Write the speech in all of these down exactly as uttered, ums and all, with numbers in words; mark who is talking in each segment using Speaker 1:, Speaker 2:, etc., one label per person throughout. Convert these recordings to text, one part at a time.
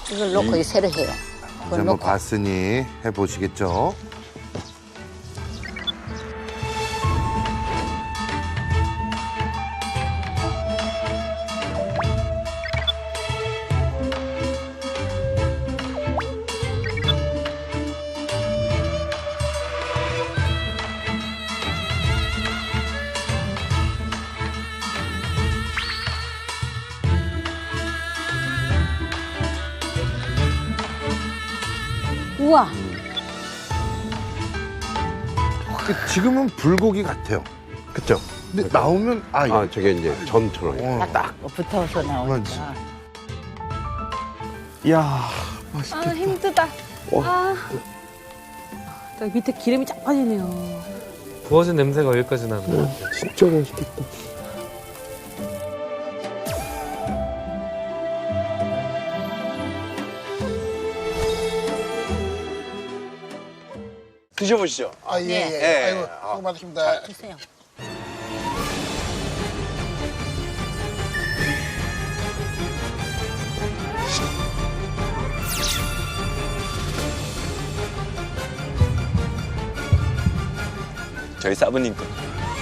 Speaker 1: 이걸 넣고 이 새로 해요.
Speaker 2: 이제
Speaker 1: 그걸
Speaker 2: 한번
Speaker 1: 넣고.
Speaker 2: 봤으니 해보시겠죠?
Speaker 1: 우와.
Speaker 2: 지금은 불고기 같아요.
Speaker 3: 그쵸?
Speaker 2: 근데 나오면 아, 이거
Speaker 3: 아, 저게 이제 전처럼.
Speaker 2: 어,
Speaker 1: 딱 붙어서
Speaker 2: 그만지.
Speaker 1: 나오니까.
Speaker 3: 이야,
Speaker 4: 아
Speaker 3: 맛있겠다.
Speaker 4: 힘들다.
Speaker 3: 어.
Speaker 4: 아. 딱 밑에 기름이 쫙 빠지네요.
Speaker 5: 구워진 냄새가 여기까지 나는 것 같아요.
Speaker 3: 진짜 맛있겠다.
Speaker 6: 드셔보시죠.
Speaker 7: 아, 예,
Speaker 1: 네.
Speaker 7: 예.
Speaker 6: 예.
Speaker 7: 아이고, 수고 많으십니다.
Speaker 1: 주세요.
Speaker 6: 저희 사부님 거.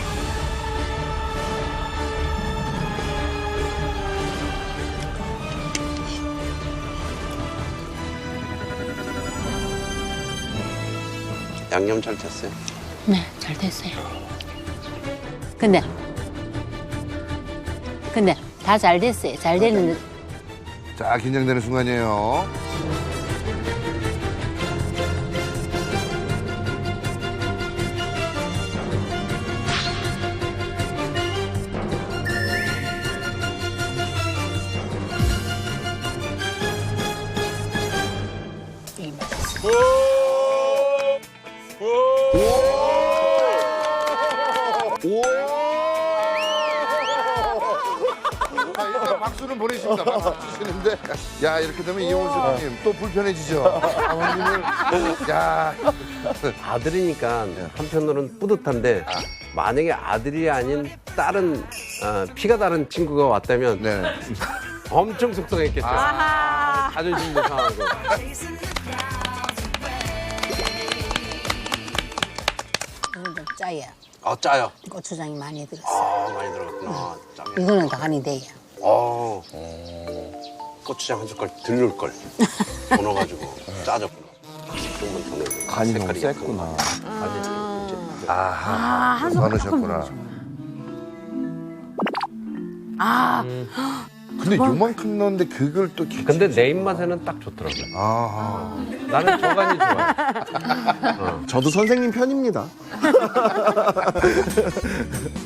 Speaker 3: 양념 잘 됐어요?
Speaker 1: 네, 잘 됐어요. 근데, 근데 다 잘 됐어요. 잘 됐는데
Speaker 2: 자, 긴장되는 순간이에요.
Speaker 1: 이 맛있어요.
Speaker 2: 자, 일단 박수는 보내십니다. 박수 주시는데. 야, 이렇게 되면 이용훈 셰프님 또 불편해지죠? 아버님을. 야.
Speaker 3: 아들이니까 한편으로는 뿌듯한데 만약에 아들이 아닌 다른 어, 피가 다른 친구가 왔다면
Speaker 2: 네.
Speaker 3: 엄청 속상했겠죠. 자존심도 상하고.
Speaker 1: 이건 좀 짜요.
Speaker 3: 아, 짜요.
Speaker 1: 고추장이 많이 들었어요.
Speaker 3: 아, 많이 들어갔구나. 짜면.
Speaker 1: 이거는 다 간이 돼요.
Speaker 3: 어. 고추장 한 숟갈 덜 넣을 걸. 더 넣어가지고 짜졌구나. 조금만 더 넣어야 돼.
Speaker 8: 간이 너무
Speaker 3: 색깔이
Speaker 8: 셌구나.
Speaker 3: 간이 좀
Speaker 2: 아하. 많으셨구나.
Speaker 4: 아,
Speaker 2: 근데 요만큼 넣었는데 그걸 또 기...
Speaker 3: 근데 내 입맛에는 딱 좋더라고요.
Speaker 2: 아하.
Speaker 3: 나는 저 간이 좋아요.
Speaker 8: 저도 선생님 편입니다.